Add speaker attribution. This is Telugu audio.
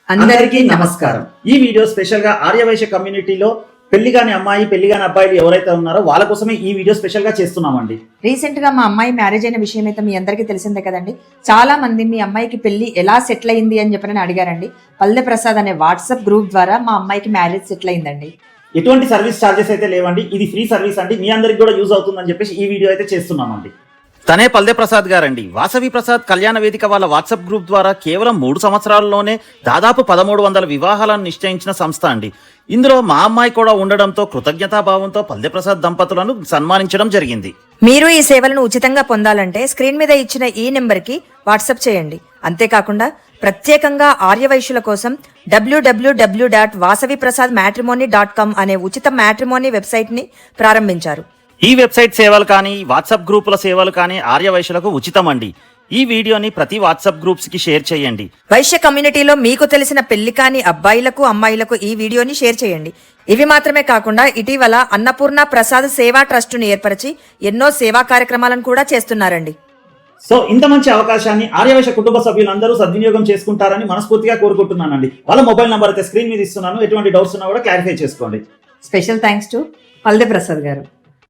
Speaker 1: అందరికీ నమస్కారం. ఈ వీడియో స్పెషల్ గా ఆర్యవైశ్య కమ్యూనిటీలో పెళ్లిగాని అమ్మాయి పెళ్లిగాని అబ్బాయిలు ఎవరైతే ఉన్నారో వాళ్ళ కోసమే ఈ వీడియో స్పెషల్ గా చేస్తున్నామండి.
Speaker 2: రీసెంట్ గా మా అమ్మాయి మ్యారేజ్ అయిన విషయం అయితే మీ అందరికీ తెలిసిందే కదండి. చాలా మంది మీ అమ్మాయికి పెళ్లి ఎలా సెటిల్ అయింది అని చెప్పని అడిగారండి. పల్లె ప్రసాద్ అనే వాట్సాప్ గ్రూప్ ద్వారా మా అమ్మాయికి మ్యారేజ్ సెటిల్ అయిందండి.
Speaker 1: ఎటువంటి సర్వీస్ ఛార్జెస్ అయితే లేవండి, ఇది ఫ్రీ సర్వీస్ అండి. మీ అందరికి కూడా యూజ్ అవుతుందని చెప్పేసి ఈ వీడియో అయితే చేస్తున్నామండి. తనే పల్దే ప్రసాద్ గారండి. వాసవి ప్రసాద్ కళ్యాణ వేదిక వాళ్ళ వాట్సాప్ గ్రూప్ ద్వారా కేవలం 3 సంవత్సరాల్లోనే దాదాపు 1300 వివాహాలను నిశ్చయించిన సంస్థ అండి. ఇందులో మా అమ్మాయి కూడా ఉండడంతో కృతజ్ఞతాభావంతో పల్దే ప్రసాద్ దంపతులను సన్మానించడం జరిగింది.
Speaker 2: మీరు ఈ సేవలను ఉచితంగా పొందాలంటే స్క్రీన్ మీద ఇచ్చిన ఈ నెంబర్కి వాట్సాప్ చేయండి. అంతేకాకుండా ప్రత్యేకంగా ఆర్యవైశ్యుల కోసం www.vasaviprasadmatrimony.com అనే ఉచిత మ్యాట్రిమోనీ వెబ్సైట్ ని ప్రారంభించారు.
Speaker 1: ఈ వెబ్సైట్ సేవలు కానీ వాట్సాప్ గ్రూపుల సేవలు కానీ ఆర్యవైశ్యులకు ఉచితం అండి. ఈ వీడియోని ప్రతి వాట్సాప్ గ్రూప్స్ కి షేర్ చేయండి.
Speaker 2: వైశ్య కమ్యూనిటీలో మీకు తెలిసిన పెళ్లి కాని అబ్బాయిలకు అమ్మాయిలకు ఈ వీడియోని షేర్ చేయండి. ఇవి మాత్రమే కాకుండా ఇటీవల అన్నపూర్ణ ప్రసాద్ సేవా ట్రస్ట్ ను ఏర్పరిచి ఎన్నో సేవా కార్యక్రమాలను కూడా చేస్తున్నారండి.
Speaker 1: సో ఇంత మంచి అవకాశాన్ని ఆర్యవైశ్య కుటుంబ సభ్యులందరూ సద్వినియోగం చేసుకుంటారని మనస్ఫూర్తిగా కోరుకుంటున్నానండి. వాళ్ళ మొబైల్ నంబర్ అయితే స్క్రీన్ మీద ఇస్తున్నాను. ఎటువంటి డౌట్స్ ఉన్నా కూడా క్లారిఫై చేసుకోండి.
Speaker 2: Special thanks to Palde Prasad గారు.